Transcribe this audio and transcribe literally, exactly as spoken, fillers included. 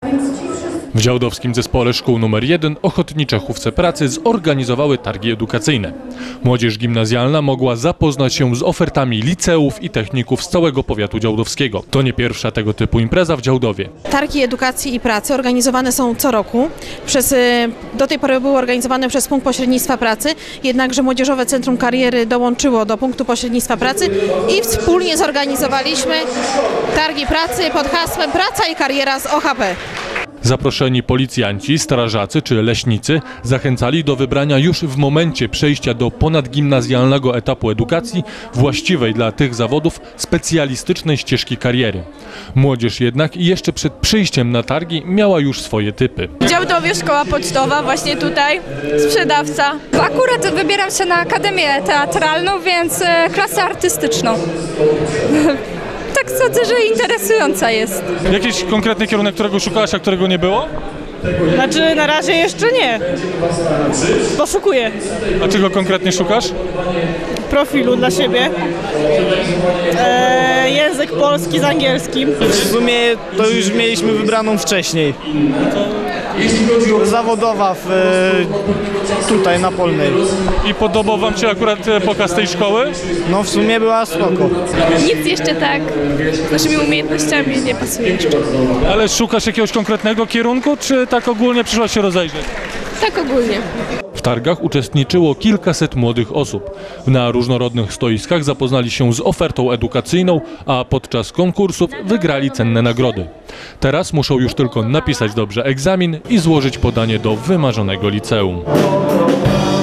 W działdowskim zespole szkół numer jeden ochotnicze chówce pracy zorganizowały targi edukacyjne. Młodzież gimnazjalna mogła zapoznać się z ofertami liceów i techników z całego powiatu działdowskiego. To nie pierwsza tego typu impreza w Działdowie. Targi edukacji i pracy organizowane są co roku. Przez, do tej pory były organizowane przez Punkt Pośrednictwa Pracy, jednakże Młodzieżowe Centrum Kariery dołączyło do Punktu Pośrednictwa Pracy i wspólnie zorganizowaliśmy targi pracy pod hasłem Praca i kariera z O H P. Zaproszeni policjanci, strażacy czy leśnicy zachęcali do wybrania już w momencie przejścia do ponadgimnazjalnego etapu edukacji właściwej dla tych zawodów specjalistycznej ścieżki kariery. Młodzież jednak jeszcze przed przyjściem na targi miała już swoje typy. W Działdowie szkoła pocztowa, właśnie tutaj, sprzedawca. Akurat wybieram się na Akademię Teatralną, więc klasę artystyczną. Tak sądzę, że interesująca jest. Jakiś konkretny kierunek, którego szukałaś, a którego nie było? Znaczy na razie jeszcze nie. Poszukuję A czego konkretnie szukasz? profilu dla siebie. E, język polski z angielskim. W sumie to już mieliśmy wybraną wcześniej. Zawodowa w, tutaj na Polnej. I podobał wam się akurat pokaz tej szkoły? No w sumie była spoko. Nic jeszcze tak z naszymi umiejętnościami nie pasuje jeszcze. Ale szukasz jakiegoś konkretnego kierunku, czy tak ogólnie przyszłaś się rozejrzeć? Tak ogólnie. W targach uczestniczyło kilkaset młodych osób. Na różnorodnych stoiskach zapoznali się z ofertą edukacyjną, a podczas konkursów wygrali cenne nagrody. Teraz muszą już tylko napisać dobrze egzamin i złożyć podanie do wymarzonego liceum.